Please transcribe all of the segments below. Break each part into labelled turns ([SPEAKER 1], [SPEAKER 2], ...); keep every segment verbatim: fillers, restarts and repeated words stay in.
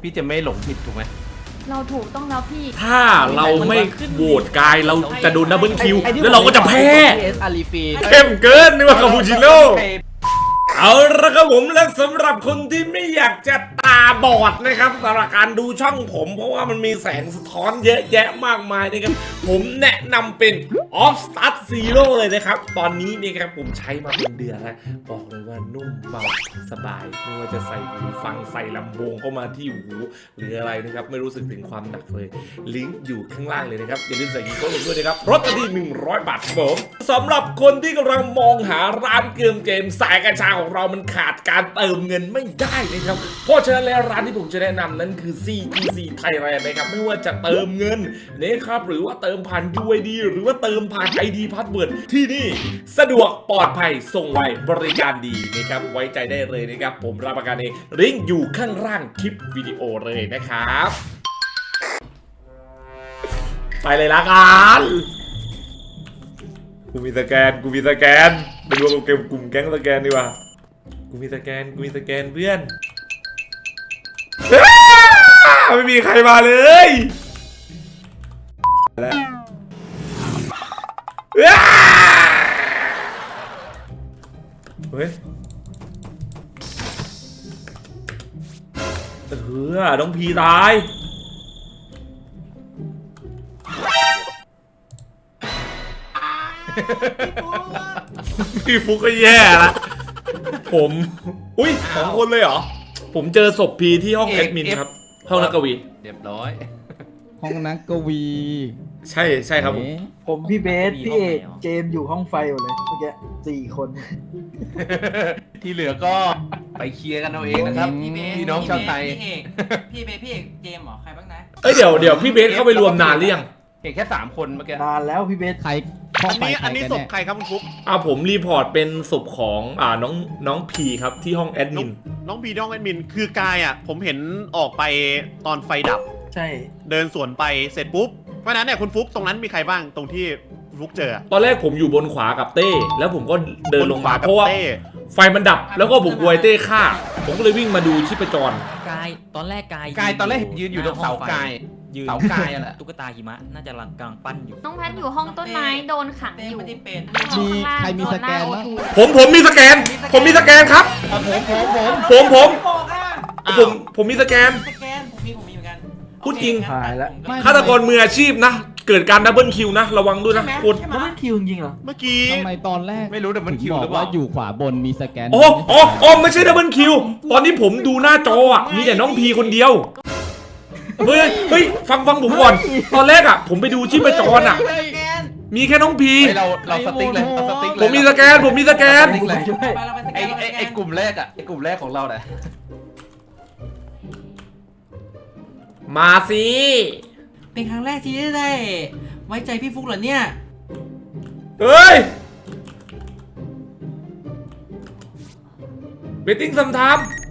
[SPEAKER 1] พี่จะไม่หลงผิดถูกไหม
[SPEAKER 2] เราถูกต้องแล้วพี่
[SPEAKER 3] ถ้าเราไม่โหวตกายเราจะโดนดับเบิลคิวแล้วเราก็จะแพ้
[SPEAKER 1] เอสอารีฟี
[SPEAKER 3] เข้มเกินนี่ว่าคาปูชิโน่เอาละครับผมและสำหรับคนที่ไม่อยากจะตาบอดนะครับสำหรับการดูช่องผมเพราะว่ามันมีแสงสะท้อนเยอะแยะมากมายนะครับผมแนะนำเป็น Off Start Zero เลยนะครับตอนนี้นี่ครับผมใช้มาเป็นเดือนแล้วบอกเลยว่านุ่มเบาสบายไม่ว่าจะใส่หูฟังใส่ลำโพงเข้ามาที่หูหรืออะไรนะครับไม่รู้สึกถึงความหนักเลยลิงก์อยู่ข้างล่างเลยนะครับอย่าลืมใส่กีโก้ลงด้วยนะครับลดที่หนึ่งร้อยบาทครับผมสำหรับคนที่กำลังมองหาร้านเกมเกมสายกัญชาของเรามันขาดการเติมเงินไม่ได้นะครับเพราะฉะนั้นแล้วร้านที่ผมจะแนะนำนั้นคือ ซี จี ซี Thailand นะครับไม่ว่าจะเติมเงินนะครับหรือว่าเติมผ่าน ยู ไอ ดี หรือว่าเติมผ่าน ไอ ดี Password ที่นี่สะดวกปลอดภัยส่งไวบริการดีนะครับไว้ใจได้เลยนะครับผมรับประกันเองลิงก์อยู่ข้างล่างคลิปวิดีโอเลยนะครับไปเลยละกันกูมีสแกนกูมีสแกนไปดูกับเกมกลุ่มแก๊งสแกนดีกว่ากูมีสแกนกูมีสแกนเพื่อนไม่มีใครมาเลยแล้วเฮ้ยเออน้องพีตายพี่ฟุกก็แย่ละผมอุ้ยสองคนเลยเหรอผมเจอศพพีที่ห้องแอดมินครับห้องนักกวี
[SPEAKER 1] เรียบร้อย
[SPEAKER 4] ห้องนักกวี
[SPEAKER 3] ใช่ใช่ครับผม
[SPEAKER 5] ผมพี่เบสพี่เอกเจมส์อยู่ห้องไฟหมดเลยเมื่อกี้สี่คน
[SPEAKER 1] ที่เหลือก็ไปเคลียร์กันเอาเองนะครับ
[SPEAKER 6] พี่เบส
[SPEAKER 1] พี่น้องชาวไทย
[SPEAKER 6] พี่เอกพี่เบสพี่เอกเจมส์เหรอใครบ้างนะ
[SPEAKER 3] เอ้ยเดี๋ยวเดี๋ยวพี่เบสเข้าไปรวมนานหรือยัง
[SPEAKER 1] เห็นแค่สามคนเมื่อกี้
[SPEAKER 5] นานแล้วพี่เบส
[SPEAKER 4] ใครห้อง
[SPEAKER 7] อัน
[SPEAKER 4] ไฟ
[SPEAKER 7] นี้
[SPEAKER 4] ใคร
[SPEAKER 7] อันนี้
[SPEAKER 4] กัน
[SPEAKER 7] ศพ
[SPEAKER 4] แน่
[SPEAKER 7] ใครครับคุณฟุ๊ก
[SPEAKER 3] อ่าผมรีพอร์ตเป็นศพของอ่าน้องน้องพีครับที่ห้องแอด
[SPEAKER 7] น้อ
[SPEAKER 3] มิ
[SPEAKER 7] ง
[SPEAKER 3] น
[SPEAKER 7] น้องบีน้องแอดมินคือกายอ่ะผมเห็นออกไปตอนไฟดับ
[SPEAKER 5] ใช่
[SPEAKER 7] เดินสวนไปเสร็จปุ๊บเพราะฉะนั้นเนี่ยคุณฟุ๊กตรงนั้นมีใครบ้างตรงที่คุณฟุ๊กเจอ
[SPEAKER 3] ตอนแรกผมอยู่บนขวากับเต้ แล้วผมก็เดินลงมา
[SPEAKER 7] บนขวากับ
[SPEAKER 3] เพราะว่า
[SPEAKER 7] เต้
[SPEAKER 3] ไฟมันดับแล้วก็ผมกลัวไอ้เต้ฆ่า ผมก็เลยวิ่งมาดูชีพจร
[SPEAKER 8] กายตอนแรกกาย
[SPEAKER 1] กายตอนแรกเห็นยืนอยู่ตรงเสากาย
[SPEAKER 8] ยืน
[SPEAKER 1] เสากายอะแหละ
[SPEAKER 8] ตุ๊กตาหิมะน่าจะกำลังกำลังปั้นอยู่
[SPEAKER 2] น้องแพทอยู่ห้องต้นไม้โดนขัง
[SPEAKER 6] เต้
[SPEAKER 2] อยู่
[SPEAKER 6] ไม่ได้เป็น
[SPEAKER 4] มีใครมีสแกนบ้าง
[SPEAKER 3] ผมผมมีสแกน ผมมีสแกนครับ
[SPEAKER 1] ผมผมผม
[SPEAKER 3] ผมผม
[SPEAKER 6] ไม่บอกอ่ะ
[SPEAKER 3] ผมผมมีสแกน
[SPEAKER 6] สแกนผมมีผมมีเหมือนกัน
[SPEAKER 3] พูดจริง
[SPEAKER 6] โอเคงั้น
[SPEAKER 5] หายแล้ว
[SPEAKER 6] ผมก็
[SPEAKER 3] ฆาตกรมืออาชีพนะ เกิดการดับเบิลคิวนะ ระวังด้วยนะ
[SPEAKER 6] ใช่ไหม
[SPEAKER 3] คุณ
[SPEAKER 6] ใช่ไหม
[SPEAKER 5] แล้วมันคิวจริงเหรอ
[SPEAKER 7] เมื่อกี้
[SPEAKER 4] ทำไมตอนแรก
[SPEAKER 1] ไม่รู้แต่มันคิว
[SPEAKER 4] บ
[SPEAKER 1] ห
[SPEAKER 4] อ
[SPEAKER 1] รื
[SPEAKER 4] ก
[SPEAKER 1] อเป
[SPEAKER 4] ว่า
[SPEAKER 1] ล่า
[SPEAKER 4] อยู่ขวาบนมีสแกน
[SPEAKER 3] อ๋ออ๋ออ๋อไม่ใช่ดับเบิลคิว ตอนนี้ผมดูหน้าจออ่ะ มีแต่น้องพีคนเดียว เฮ้ย เฮ้ย ฟังฟังผมก่อน ตอนแรกอ่ะ ผมไปดูชีพจรอ่ะ
[SPEAKER 6] สแกน
[SPEAKER 3] มีแค่น้องพี
[SPEAKER 1] เฮ้ยเราเราสติ๊กเลยเราสติ๊กเลย
[SPEAKER 3] ผมมีสแกน ผมมีสแกน
[SPEAKER 1] สติ๊กเลย
[SPEAKER 5] ช่วย
[SPEAKER 6] ไปเราไปสแก
[SPEAKER 1] ไอ้
[SPEAKER 6] นเราไป
[SPEAKER 1] ไอ้
[SPEAKER 6] สแกน
[SPEAKER 1] ไอ้กลุ่มแรกอะไอ้กลุ่มแรกของเราเนี่ย
[SPEAKER 3] มาสิ
[SPEAKER 6] เป็นครั้งแรกที่ได้ไว้ใจพี่ฟุกเหรอเนี่ย
[SPEAKER 3] เฮ้ยเบตติ้งซัมทาม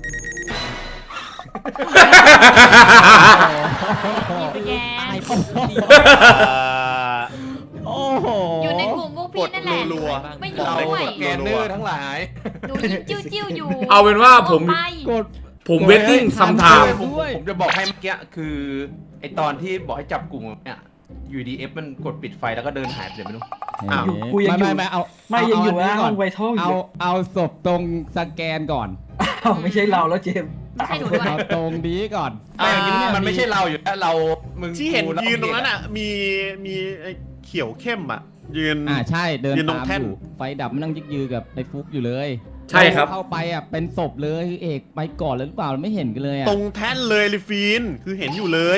[SPEAKER 2] มีสแกน
[SPEAKER 4] ตายเข้า
[SPEAKER 7] เอ่อ
[SPEAKER 4] โอ้โห
[SPEAKER 2] อยู่ในกลุ่มพวกพี่นั่นแหละ
[SPEAKER 7] รัว
[SPEAKER 2] ไม่อยู่
[SPEAKER 1] เรา
[SPEAKER 2] ด้วย
[SPEAKER 1] แกนเนอร์ทั้งหลาย
[SPEAKER 2] ดูยิ้มจิ้วจิ้วๆอยู่
[SPEAKER 3] เอาเป็นว่าผม
[SPEAKER 2] ออกไป
[SPEAKER 4] กด
[SPEAKER 3] ผมเวทติ้งซัมทาม
[SPEAKER 1] ผม
[SPEAKER 4] ด้วย
[SPEAKER 1] ผมจะบอกให้เมื่อกี้คือไอตอนที่บอกให้จับกลุ่มเนี่ยอยู่ดีเอฟมันกดปิดไฟแล้วก็เดินหายไปเลยไม่รู้
[SPEAKER 7] อ้าว
[SPEAKER 5] กูยังอยู่
[SPEAKER 4] ไม่ไม่ไม่เอา
[SPEAKER 5] ไม่ยังอยู่
[SPEAKER 4] เา
[SPEAKER 5] นะ
[SPEAKER 4] นนี้
[SPEAKER 5] ห้
[SPEAKER 4] ก่
[SPEAKER 5] องไวท์เท่าอ
[SPEAKER 4] เอา
[SPEAKER 5] ยู่
[SPEAKER 4] เอาศพตรงสแกนก่อน
[SPEAKER 5] อ้าวไม่ใช่เราแล้วเจมส์
[SPEAKER 2] ไม่ใช่หนูด้วย
[SPEAKER 4] เอาตรงนี้ก่อน
[SPEAKER 1] อ่า
[SPEAKER 4] อย่างนี้ย
[SPEAKER 1] มันไม่ใช่เราอยู่แล้วเรามึง
[SPEAKER 7] ที่เห็น
[SPEAKER 1] กูแล้ว
[SPEAKER 7] ยืนตรงนั้น
[SPEAKER 1] เด็ก
[SPEAKER 7] อ่ะมีมีไอ้เขียวเข้มอ่ะยืน
[SPEAKER 4] อ่าใช่เดิน
[SPEAKER 7] ยืนตรง
[SPEAKER 4] ตาม
[SPEAKER 7] แท่น
[SPEAKER 4] อยู่ไฟดับมันนั่งยึกยือกับไอ้ฟุกอยู่เลย
[SPEAKER 3] ใช่ครับ
[SPEAKER 4] เข้าไปอ่ะเป็นศพเลยเอกไปก่อนเลยหรือเปล่าไม่เห็นกันเลยอ่ะ
[SPEAKER 7] ตรงแท่นเลยลิฟีนคือเห็นอยู่เลย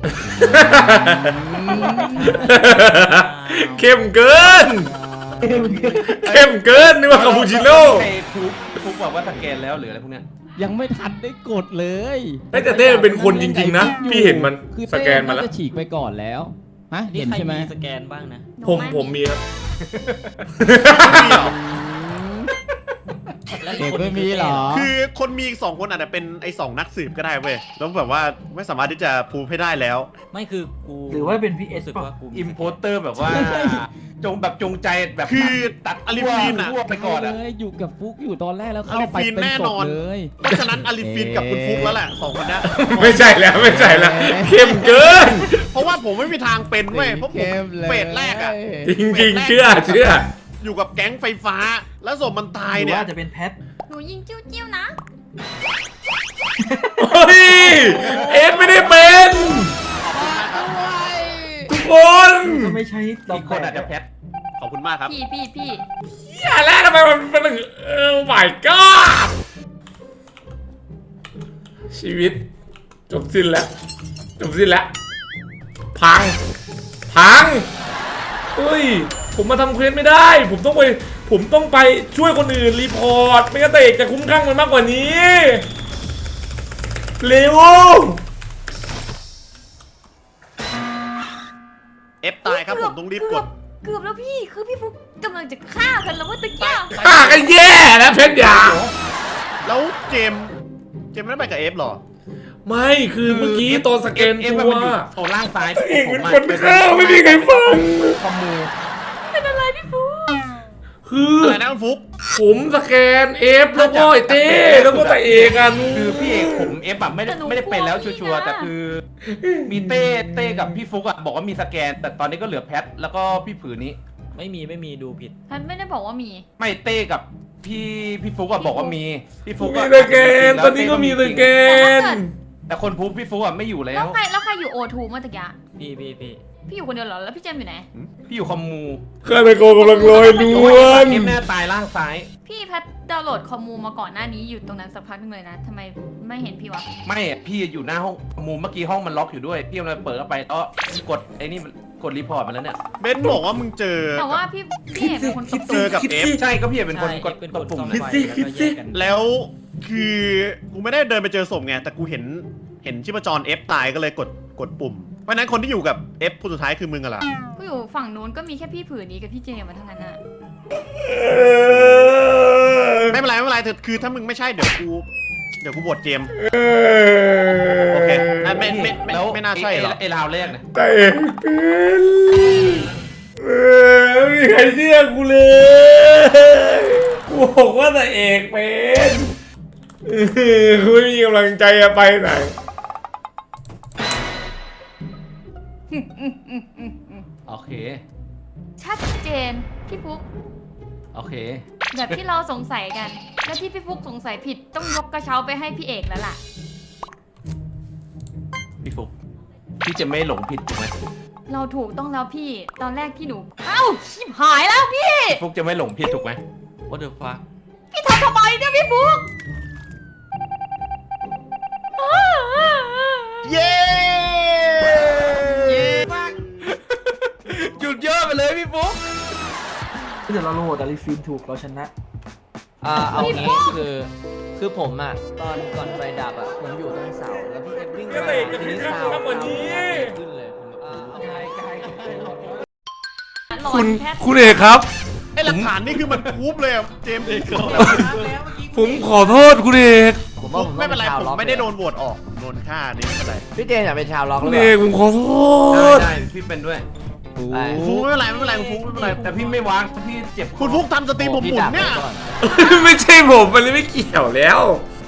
[SPEAKER 3] เข้มเกิน เข้มเกินนี่ว่าคาปูชิโน่
[SPEAKER 1] ใครฟุกฟุกบอกว่าสแกนแล้วหรืออะไรพวกเนี้ย
[SPEAKER 4] ยังไม่ทันได้กดเลย
[SPEAKER 3] เฮ้ยแต่เต้มันเป็นคนจริงๆนะ พี่เห็นมัน
[SPEAKER 4] คือ
[SPEAKER 3] สแกนมาแล้ว
[SPEAKER 4] จะฉีกไปก่อนแล้วฮะ
[SPEAKER 8] นี่
[SPEAKER 4] เห็น
[SPEAKER 8] ใคร
[SPEAKER 4] ใช่ไหม
[SPEAKER 8] มีสแกนบ้างนะ
[SPEAKER 2] หนู
[SPEAKER 3] ผม
[SPEAKER 2] ไ
[SPEAKER 3] ผมมีครับ
[SPEAKER 4] เอกไม่มีเหรอ
[SPEAKER 7] คือคนมีอีกสองคนอาจจะเป็นไอ้สองนักสืบก็ได้เว้ยแล้วแบบว่าไม่สามารถที่จะพูดให้ได้แล้ว
[SPEAKER 8] ไม่คือกู
[SPEAKER 5] หรือว่าเป็นพี่เอส
[SPEAKER 8] รู้สึก
[SPEAKER 5] ป่ะ
[SPEAKER 8] ว่ากู
[SPEAKER 1] อิมโพสเตอร์แบบว่าจงแบบจงใจแบบ
[SPEAKER 7] คือ
[SPEAKER 1] ตัด
[SPEAKER 7] อลิฟีนอะ
[SPEAKER 1] ทั่วไปก่อนอะ
[SPEAKER 4] เลยอยู่กับฟุกอยู่ตอนแรกแล้วเข้า
[SPEAKER 7] อลิ
[SPEAKER 4] ไป
[SPEAKER 7] ฟีน
[SPEAKER 4] เป็น
[SPEAKER 7] แน่
[SPEAKER 4] ศ
[SPEAKER 7] น
[SPEAKER 4] พ
[SPEAKER 7] อน
[SPEAKER 4] เลย
[SPEAKER 7] เพราะฉะนั้นอลิฟินกับคุณฟุกแล้วแหละสองคนเนี้ย
[SPEAKER 3] ไม่ใช่แล้วไม่ใช่แล้วเข้มเกิน
[SPEAKER 7] เพราะว่าผมไม่มีทางเป็นเว้ยเพราะผม
[SPEAKER 4] เข้มเลย
[SPEAKER 7] เฟสแรกอะ
[SPEAKER 3] จริงๆเชื่อเชื่อ
[SPEAKER 7] อยู่กับแก๊งไฟฟ้า แล้วศพมันตาย
[SPEAKER 5] หรือ
[SPEAKER 7] เนี่ย
[SPEAKER 5] ว่าจะเป็นแพท
[SPEAKER 2] หนูยิงจิ้วจิ้วๆนะ
[SPEAKER 3] เฮ้ยเอ็ดไม่ได้เป็นทุกคน
[SPEAKER 5] ก็ไม่ใช่เรา
[SPEAKER 1] อีกคนอาจจะแพท
[SPEAKER 7] ขอบคุณมากครับ
[SPEAKER 2] พี่พี่พี่
[SPEAKER 3] อย่าแล้วทำไมมันเป็นอย่างเออ my god ชีวิต จบสิ้นแล้ว จบสิ้นแล้ว พัง พังเฮ้ย ผมมาทำเควสไม่ได้ ผมต้องไป ผมต้องไปช่วยคนอื่นรีพอร์ต ไม่งั้นแต่เอกจะคุ้มข้างมันมากกว่านี้ เร็ว
[SPEAKER 7] เอฟตายครับผมต้องรีบกด
[SPEAKER 2] เกือบแล้วพี่คือพี่ฟุกกำลังจะฆ่ากันแล้วว่าตะเกียบ
[SPEAKER 3] ฆ่ากันแย่แล้วเพชรยา
[SPEAKER 7] แล้วเจมส์เจมส์ไม่ได้ไปกับเอฟหรอ
[SPEAKER 3] ไม่คือเมื่อกี้ตอนสแกน
[SPEAKER 1] เอฟ
[SPEAKER 3] ตั
[SPEAKER 1] มัน
[SPEAKER 3] ว
[SPEAKER 1] อยู่โซนล่างซ้าย
[SPEAKER 3] เอกเป็นคนฆ่าไม่มีใครฟัง
[SPEAKER 1] คอมมู
[SPEAKER 2] เป็นอะไรพี่ฟุก
[SPEAKER 3] คือ
[SPEAKER 7] อะไรนะคุณฟุก
[SPEAKER 3] ผมสแกนเอฟแล้วก็ไอเต้แล้วก็แต่เอกอ่ะนู้
[SPEAKER 1] คือพี่เอกผมเอฟแบบไม่ได้ไม่ได้เป็นแล้วชัวร์ๆแต่คือ มีเต้เต้กับพี่ฟุกอะบอกว่ามีสแกน แต่ตอนนี้ก็เหลือแพทแล้วก็พี่ผือนี้
[SPEAKER 8] ไม่มีไม่มีดูผิด
[SPEAKER 2] ฉันไม่ได้บอกว่ามี
[SPEAKER 1] ไม่เต้กับพี่พี่ฟุกอะบอกว่ามีพี่ฟุก
[SPEAKER 3] มี
[SPEAKER 1] อะ
[SPEAKER 3] สแกนตอนนี้ก็มีสแกน
[SPEAKER 1] แต่คนพูดพี่ฟุกอะไม่อยู่แล้
[SPEAKER 2] แล้ว วใครแล้วใครอยู่โอทูเมื่อตะกี้
[SPEAKER 8] พี่พี่พี่
[SPEAKER 2] พี่อยู่คนเดียวเหรอแล้วพี่เจมส์อยู่ไหน
[SPEAKER 1] พี่อยู่คอมมู
[SPEAKER 3] ฆาตกรกำลังลอยนวล
[SPEAKER 1] เกมหน้าตายล่างซ้าย
[SPEAKER 2] พี่แพทดาวน์โหลดคอมมูมาก่อนหน้านี้อยู่ตรงนั้นสักพักนึงเลยนะทำไมไม่เห็นพี่วะ
[SPEAKER 1] ไม่อะพี่อยู่หน้าห้องคอมมูเมื่อกี้ห้องมันล็อกอยู่ด้วยพี่มันเปิดเข้าไปแล้วกดไอ้นี่กดรีพอร์ตมาแล้วเนี่ย
[SPEAKER 7] เบนซ์บอกว่ามึงเจอ
[SPEAKER 2] แต่ว่าพี่พี่เห็นเป็นคนตบ
[SPEAKER 7] เจอกับเอฟ
[SPEAKER 1] ใช่ก็พี่เป็นคน
[SPEAKER 8] ใช่
[SPEAKER 1] กด
[SPEAKER 8] เป็น
[SPEAKER 1] ก
[SPEAKER 8] ค
[SPEAKER 1] ด
[SPEAKER 8] น
[SPEAKER 1] ปุ่ม
[SPEAKER 8] ซ่อม
[SPEAKER 1] นะ
[SPEAKER 8] ไฟแล้วก็แยกกัน
[SPEAKER 7] แล้วคือกูไม่ได้เดินไปเจอศพไงแต่กูเห็นเห็นชีพจร F ตายก็เลยกดกดปุ่ม เพราะฉะนั้นคนที่อยู่กับ F คนสุดท้ายคือมึงอะล่ะ
[SPEAKER 2] ก็อยู่ฝั่งนู้นก็มีแค่พี่ผืนนี้กับพี่เจมส์มาทั้งนั้นน่ะ
[SPEAKER 7] ไม่เป็นไรไม่เป็นไรเถอะคือถ้ามึงไม่ใช่เดี๋ยวกูเดี๋ยวกูบวชเจมส์โอเคอ่ะไม่ไม่ไม่
[SPEAKER 1] แล้ว
[SPEAKER 7] ไม่น่าใช่หรอ
[SPEAKER 1] ไอ้ราวแรกเนี่ย
[SPEAKER 3] แต่เอกเป็นเออไม่มีใครเชื่อกูเลย กูบอกว่าแต่เอกเป็นเออกูไม่มีกำลังใจจะไปไหน
[SPEAKER 1] โอเค
[SPEAKER 2] ชัดเจนพี่ฟุก
[SPEAKER 1] โอเค
[SPEAKER 2] แบบที่เราสงสัยกัน และที่พี่ฟุกสงสัยผิดต้องยกกระเช้าไปให้พี่เอกแล้วล่ะ
[SPEAKER 1] พี่ฟุกพี่จะไม่หลงผิดถูกไหม
[SPEAKER 2] เราถูกต้องแล้วพี่ตอนแรกที่หนูเอ้าชิบหายแล้วพี่
[SPEAKER 1] ฟุกจะไม่หลงผิดถูกไหม
[SPEAKER 8] What the fuck
[SPEAKER 2] พี่ทำทำไมเนี่ยพี่ฟุก
[SPEAKER 7] เย้
[SPEAKER 1] หยุดเยอะไปเลยพี่ฟุก
[SPEAKER 5] ถ้าเกิดเราโหลดอาริฟินถูกเราชนะ
[SPEAKER 9] อ่าเอางี้คือคือผมอ่ะตอนก่อนไฟดับอ่ะผมอยู่ตรงเสาแล้วพี่เอฟวิ่ง
[SPEAKER 3] ก็
[SPEAKER 9] มา
[SPEAKER 3] เลยจะ
[SPEAKER 9] ทีนี้
[SPEAKER 3] ขึ้น
[SPEAKER 9] เสา
[SPEAKER 3] มากกว่านี้
[SPEAKER 9] ขึ้นเลยผมอ่าเอาไง
[SPEAKER 2] หลอน
[SPEAKER 3] คุณ
[SPEAKER 2] แพท
[SPEAKER 3] คุณเอกครับ
[SPEAKER 7] ไอหลักฐานนี่คือมันพูบเลยอะเจมส์
[SPEAKER 3] ผมขอโทษคุณเอก
[SPEAKER 9] ผมว่าผม
[SPEAKER 7] ไม่เป็นไร
[SPEAKER 9] ชาว
[SPEAKER 7] ผม
[SPEAKER 9] ล็อก
[SPEAKER 7] ไม่ได้โดนโหวตออกโดนฆ่านี่ไม่เป็นไร
[SPEAKER 9] พี่เจนอยากเป็นชาวล็อกห
[SPEAKER 3] คุ
[SPEAKER 9] รื
[SPEAKER 3] ณ
[SPEAKER 9] อ
[SPEAKER 3] เอ
[SPEAKER 9] เป
[SPEAKER 3] ก
[SPEAKER 9] ล่า
[SPEAKER 3] ผมขอโท
[SPEAKER 1] ได้
[SPEAKER 3] ษ
[SPEAKER 1] ได้พี่เป็นด้วย
[SPEAKER 9] ไป
[SPEAKER 7] ฟุกไม่เป็นไรไม่เป็นไรคุณฟุกไม่เป็นไร
[SPEAKER 1] แต่พี่ไม่วางพี่เจ็บ
[SPEAKER 7] คุณฟุกทำสตรีมผมหมุนเนี่ย
[SPEAKER 3] ไม่ใช่ผมมันเลยไม่เกี่ยวแล้ว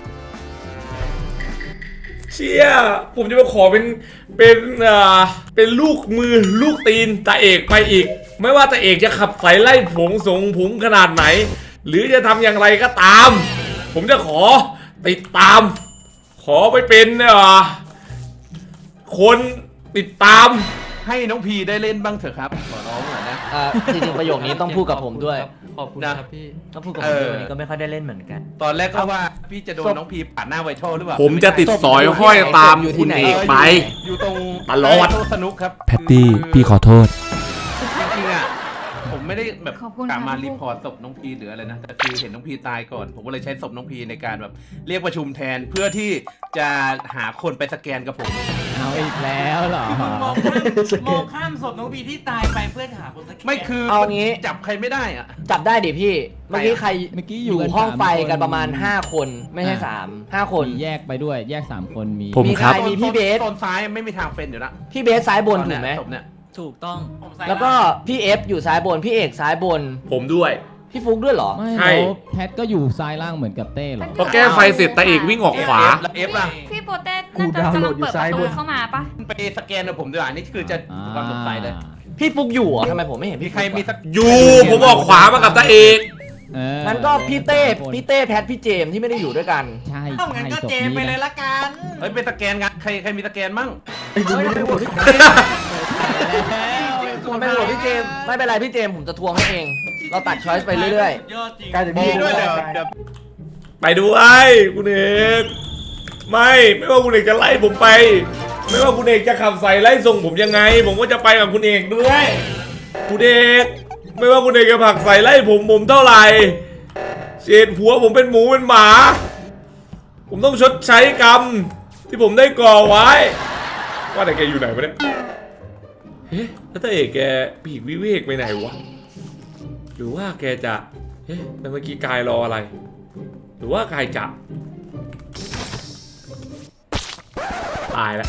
[SPEAKER 3] เชี่ยผมจะมาขอเป็นเป็นอ่าเป็นลูกมือลูกตีนตาเอกไปอีก ไม่ว่าตาเอกจะขับไสไล่ผงสงผงขนาดไหน หรือจะทำอย่างไรก็ตาม ผมจะขอติดตาม ขอไปเป็นอ่าคนติดตาม
[SPEAKER 1] ให้น้องพีได้เล่นบ้างเถอะครับขอร้องหน่อยนะ
[SPEAKER 9] อ่าจริงๆประโยคนี้ต้องพูดกับผมด้วย
[SPEAKER 8] ขอบคุณ
[SPEAKER 1] นะ
[SPEAKER 8] ครับพี่
[SPEAKER 9] ต้องพูดกับ
[SPEAKER 1] เอ
[SPEAKER 9] ผม
[SPEAKER 1] อ
[SPEAKER 9] ด้วยวันนี้ก็ไม่ค่อยได้เล่นเหมือนกัน
[SPEAKER 1] ตอนแรกก็ว่าพี่จะโดนน้องพีปาดหน้าไวทัลหรือเปล่า
[SPEAKER 3] ผมจะติดสอยห้อยตามคุณเอกไป
[SPEAKER 1] อยู่ตรง
[SPEAKER 3] ตลอด
[SPEAKER 1] โต๊ะสนุกครับ
[SPEAKER 3] แพตตี้พี่ขอโทษ
[SPEAKER 1] จริงๆอ่ะผมไม่ได้แบบ
[SPEAKER 2] ขอบคุณ
[SPEAKER 1] กลับมา
[SPEAKER 2] ค่ะ
[SPEAKER 1] รีพอร์ตศพน้องพีหรืออะไรนะแต่คือเห็นน้องพีตายก่อน ผมก็เลยใช้ศพน้องพีในการแบบเรียกประชุมแทนเพื่อที่จะหาคนไปสแกนกับผม
[SPEAKER 4] เอาอีกแล้วเหรอ
[SPEAKER 6] มองข้ามมองข้ามศพน้องบีที่ตายไปเพื่อหาคนสัก
[SPEAKER 1] ไม่คือ
[SPEAKER 9] เอางี้
[SPEAKER 1] จับใครไม่ได้อ่ะ
[SPEAKER 9] จับได้ดิพี่ เมื่อกี้ใคร
[SPEAKER 4] เมื่อกี้อ
[SPEAKER 9] อยู่ ยู่
[SPEAKER 4] กัน
[SPEAKER 9] ห้อง
[SPEAKER 4] สาม
[SPEAKER 9] ไฟ
[SPEAKER 4] คน
[SPEAKER 9] กันประมาณห้าคนไม่ใช่
[SPEAKER 4] อ่า
[SPEAKER 9] สามห้าคน
[SPEAKER 4] มีแยกไปด้วยแยกสามคนมี
[SPEAKER 3] ผม
[SPEAKER 9] มี
[SPEAKER 3] ครับ
[SPEAKER 9] ใครมีพี่เบส
[SPEAKER 1] โซนซ้ายไม่มีทางเป็นอยู่แล้ว
[SPEAKER 9] พี่เบสซ้ายบนถูกไหม
[SPEAKER 1] ศพเนี่ย
[SPEAKER 8] ถูกต้อง
[SPEAKER 6] ผมใส่
[SPEAKER 9] แล้วก็พี่เอฟอยู่ซ้ายบนพี่เอกซ้ายบน
[SPEAKER 3] ผมด้วย
[SPEAKER 9] พี่ฟุกด้วยเหรอ
[SPEAKER 4] ไม่
[SPEAKER 3] ใช่
[SPEAKER 4] แล้วแพทก็อยู่ซ้ายล่างเหมือนกับเต้เหรอ
[SPEAKER 3] พอแก้ไฟเสร็จตาเอกวิ่งออกขวา
[SPEAKER 1] แล้วเอฟล่ะ
[SPEAKER 2] พี่โปเต้น่าจะกำลังเปิดประตูเข้ามาปะ
[SPEAKER 1] ไปสแกนกับผมด้วยอันนี้คือจะความสงสัยเลย
[SPEAKER 9] พี่ฟุกอยู่เหรอทำไมผมไม่เห็น
[SPEAKER 1] มี
[SPEAKER 9] พี่
[SPEAKER 1] ใครมีสัก
[SPEAKER 3] อยู่ผมออกขวามากับตาเอก
[SPEAKER 4] เออ
[SPEAKER 9] งั้นก็พี่เต้พี่เต้แพทพี่เจมส์ที่ไม่ได้อยู่ด้วยกัน
[SPEAKER 4] ใช่
[SPEAKER 6] เอ้างั้น
[SPEAKER 4] ใช่
[SPEAKER 6] ก็
[SPEAKER 4] ศพ
[SPEAKER 6] เจมไป
[SPEAKER 4] นี้
[SPEAKER 6] เลย
[SPEAKER 4] นะ
[SPEAKER 6] ละกัน
[SPEAKER 1] เฮ้ยไปสแกนกันใครใครมีสแกนมั่ง
[SPEAKER 9] มันไม่โหวตพี่เจมส์ไม่เป็นไรพี่เจมส์ผมจะทวงให้เอง เราตัดช้อยส์ไปเรื่อย
[SPEAKER 6] ยอดจริง
[SPEAKER 5] กลายเป็น
[SPEAKER 7] มี
[SPEAKER 5] พี่
[SPEAKER 7] ด้วย
[SPEAKER 5] ด้
[SPEAKER 7] เดี๋ยว
[SPEAKER 5] วย
[SPEAKER 7] เดี๋ยว
[SPEAKER 3] ไปด้วยคุณเอกไม่ไม่ว่าคุณเอกจะไล่ผมไป ไม่ว่าคุณเอกจะขับใส่ไล่ส่งผมยังไง ผมก็จะไปกับคุณเอกด้วยคุณเอกไม่ว่าคุณเอกจะผลักใส่ไล่ผมผมเท่าไหร่เศษหัวผมเป็นหมูเป็นหมา ผมต้องชดใช้กรรมที่ผมได้ก่อไว้ ว่าแต่แกอยู่ไหนวะเนี่ยเฮ้แล้วตาเอกแกปีกวิเวกไปไหนวะหรือว่าแกจะเฮ้แต่เมื่อกี้กายรออะไร หรือว่ากายจะตายแล้ว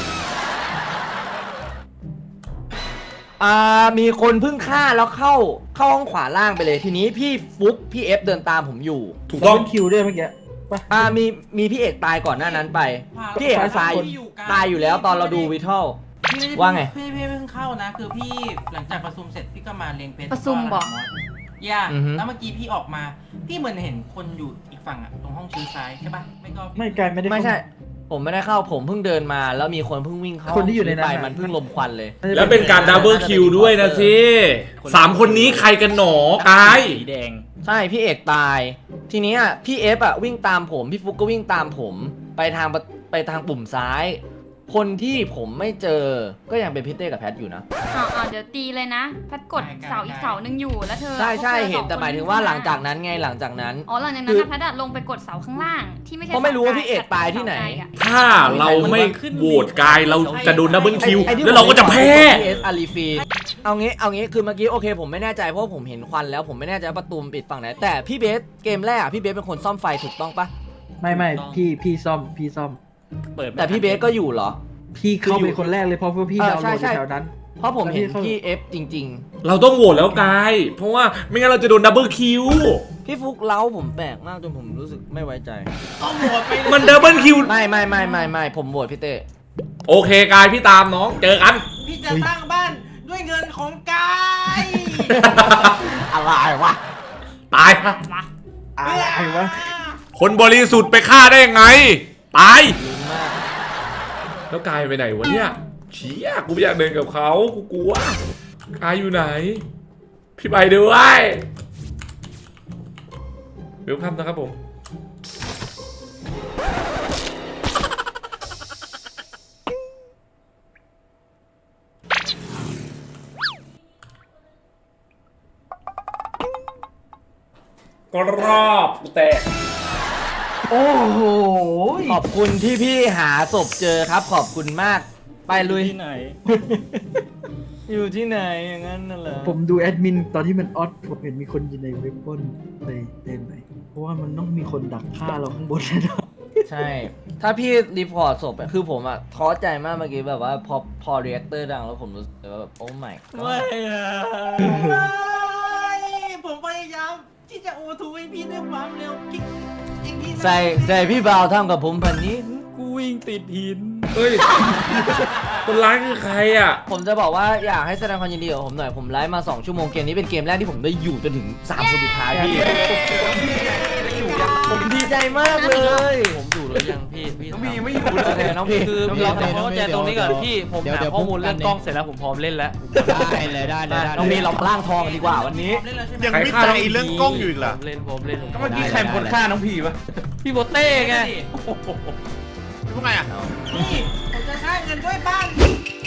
[SPEAKER 9] ๆอ่ามีคนเพิ่งฆ่าแล้วเข้าเข้าห้องขวาล่างไปเลยทีนี้พี่ฟุกพี่เอฟเดินตามผมอยู่
[SPEAKER 3] ถูก
[SPEAKER 5] ต้
[SPEAKER 3] ต้
[SPEAKER 5] อ
[SPEAKER 3] อง ง
[SPEAKER 5] คิวด้วยเมื่อกี้ปะ
[SPEAKER 9] อ่ามีมีพี่เอกตายก่อนหน้านั้นไป พี่เอกตายตายอยู่แล้วตอนเราดูวิทัล
[SPEAKER 6] พี่ม่ด้
[SPEAKER 9] ว่าไง
[SPEAKER 6] พี่พี่เพิ่งเข้านะ คือพี่หลังจากประชุมเสร็จพี่ก็มาเรียงเพชร
[SPEAKER 2] ประชุมบอก
[SPEAKER 6] ย่า
[SPEAKER 9] อือฮึ
[SPEAKER 6] แล้วเมื่อกี้พี่ออกมา พี่เหมือนเห็นคนอยู่อีกฝั่งอะตรงห้องชื้อซ้ายใช่ปะไม่ก็พี่
[SPEAKER 5] ไม่กลายไม่ได้
[SPEAKER 9] ไม่ใช่ ผมไม่ได้เข้าผมเพิ่งเดินมา แล้วมีคนเพิ่งวิ่งเข้า
[SPEAKER 5] คนที่อยู่ในนั้น
[SPEAKER 9] ไป
[SPEAKER 5] น่ะ
[SPEAKER 9] มันเพิ่งลมควันเลย
[SPEAKER 3] แล้วเป็นการดับเบิลคิวด้วยนะสิสามคนนี้ใครกันหนอกาย
[SPEAKER 8] สีแดง
[SPEAKER 9] ใช่พี่เอกตาย ทีนี้อ่ะพี่เอฟอ่ะวิ่งตามผมพี่ฟุกก็วิ่งตามผม ไปทางประไปทางปุ่มซ้าย คนที่ผมไม่เจอก็ยังเป็นพี่เต้กับแพทอยู่นะ
[SPEAKER 2] อ๋อเดี๋ยวตีเลยนะแพทกดเสาอีกเสาหนึ่งอยู่แล้วเธอ
[SPEAKER 9] ใช่ใช่
[SPEAKER 2] พวกธอ
[SPEAKER 9] เห็นแต่
[SPEAKER 2] สอง
[SPEAKER 9] หมายถึง
[SPEAKER 2] คน
[SPEAKER 9] ว่าหลังจากนั้นไงหลังจากนั้น
[SPEAKER 2] อ๋อหลังจากนั้นนะแพทอะลงไปกดเสาข้างล่างที่ไม่ใช่
[SPEAKER 9] เพราะไม่รู้ว่า
[SPEAKER 2] ส
[SPEAKER 9] พี่เอกตายที่ไหน
[SPEAKER 2] เสาไกลอะ
[SPEAKER 3] ถ้าเราไม่โหวตกายเราจะโดนดับเบิลคิว
[SPEAKER 9] ไอ้ที่
[SPEAKER 3] แล้วเราก็จะแพ้
[SPEAKER 9] พีเอสอารีฟีเอางี้เอางี้คือเมื่อกี้โอเคผมไม่แน่ใจเพราะว่าผมเห็นควันแล้วผมไม่แน่ใจว่าประตูมันปิดฝั่งไหนแต่พี่เบสเกมแรกอะพี่เบสเป็นคนซ่อมไฟถูกต้องปะ
[SPEAKER 5] ไม่ไม่พี่พี่ซ่อมพี่ซ่อม
[SPEAKER 8] เปิดไม่
[SPEAKER 9] แต่พี่เบสก็อยู่เหรอ
[SPEAKER 5] พี่เข้าไปคนแรกเลยเพราะว่าพี่
[SPEAKER 9] เออ
[SPEAKER 5] ดาวน์โหลด
[SPEAKER 9] ใช่
[SPEAKER 5] อยู่
[SPEAKER 9] ใช่
[SPEAKER 5] แถวนั้น
[SPEAKER 9] เพราะผมเห็น
[SPEAKER 5] แล้วพี่เข้า
[SPEAKER 9] พี่เอฟจริง
[SPEAKER 3] เราต้องโหวตแล้วกาย เพราะว่าไม่งั้นเราจะโดนดับเบิลคิว
[SPEAKER 9] ๆ พี่ฟุกเล้าผมแปลกมากจนผมรู้สึกไม่ไว้ใจ
[SPEAKER 6] ต้องโหวตไปเลย
[SPEAKER 3] มันดับเบิลคิว
[SPEAKER 9] ไม่ไม่ไม่ไม่ไม่ผมโหวตพี่เต้
[SPEAKER 3] โอเคกายพี่ตามน้องเจอกัน
[SPEAKER 6] พี่จะสร้างบ้านด้วยเงินของกาย
[SPEAKER 9] อะไรวะ
[SPEAKER 3] ตาย
[SPEAKER 5] อะไรวะ
[SPEAKER 3] คนบริสุทธิ์ไปฆ่าได้ยังไง ตาย
[SPEAKER 9] ลืมมาก
[SPEAKER 3] แล้วกายไปไหนวะเนี่ยเชี่ยกูไม่อยากเดินกับเขากูกลัวกายอยู่ไหน พี่ไปด้วยเวลคัมนะครับผม ก็รอบกูแตก
[SPEAKER 5] โอ้โห
[SPEAKER 9] ขอบคุณที่พี่หาศพเจอครับ ขอบคุณมาก ไปลุย
[SPEAKER 8] ที่ไหน
[SPEAKER 9] อยู่ที่ไหนอย่างนั้นน่ะเหรอ
[SPEAKER 5] ผมดูแอดมินตอนที่มันออดผมเห็นมีคนอยู่ในเว็บปล้นไปเต็มไปเพราะว่ามันต้องมีคนดักฆ่าเราข้างบนแน่นอน
[SPEAKER 9] ใช่ ถ้าพี่รีพอร์ตศพอะคือผมอะท้อใจมากเมื่อกี้แบบว่าพอพอเรีแอคเตอร์ดังแล้วผมรู้สึกว่าแบบโอ้ไม่
[SPEAKER 8] ไม่อะ
[SPEAKER 6] ผมพยายามที่จะโอทูให้พี่ด้วยความเร็วกิ๊กอย่างที่
[SPEAKER 9] ใส่ใส่พี่บ่าวทำกับผมพันนี้
[SPEAKER 8] กูวิ่งติดหิน
[SPEAKER 3] เฮ้ย คนร้ายคือใครอ่ะ
[SPEAKER 9] ผมจะบอกว่าอยากให้แสดงความยินดีกับผมหน่อย ผมไลฟ์มาสองชั่วโมงเกมนี้เป็นเกมแรกที่ผมได้อยู่จนถึงสามคนสุดท้ายพี่ ผมดีใจมากเลย
[SPEAKER 8] ผมอยู่หรือยังพี่พี่
[SPEAKER 1] น้องพีไม่อยู่
[SPEAKER 9] โอเคน้องพี่
[SPEAKER 8] คือ
[SPEAKER 4] น้องพี่
[SPEAKER 8] เราต้อง
[SPEAKER 4] น้องพี่
[SPEAKER 8] เข้าใจตรงนี้ก่อน
[SPEAKER 4] เดี๋ยว
[SPEAKER 8] พี่ผม
[SPEAKER 4] เดี๋ยว
[SPEAKER 8] หา
[SPEAKER 4] เดี๋ยว
[SPEAKER 8] ข้อมูล
[SPEAKER 4] พูดกั
[SPEAKER 8] เรื่
[SPEAKER 4] น
[SPEAKER 8] อง
[SPEAKER 4] เนี่ย
[SPEAKER 8] กล้องเสร็จแล้วผมพร้อมเล่นแล้ว
[SPEAKER 4] ได้เลยได้เลยได้
[SPEAKER 9] น้อง
[SPEAKER 4] เล
[SPEAKER 9] พี่
[SPEAKER 4] ย
[SPEAKER 9] เราล่างทองกันดีกว่าวันนี้
[SPEAKER 6] เล่นแล้วใช่ไหม
[SPEAKER 7] ยังไม่ใจเรื่องกล้องอยู่อีกเหรอ
[SPEAKER 8] ผมเล่นผมเล่นผม
[SPEAKER 1] ก็เมื่อกี้ใครเป็นคนฆ่าน้องพีปะ
[SPEAKER 8] พี่โบเต้ไง
[SPEAKER 7] พวกไงอ่ะ
[SPEAKER 6] นี่ผมจะใช้เงินด้วยบ้าน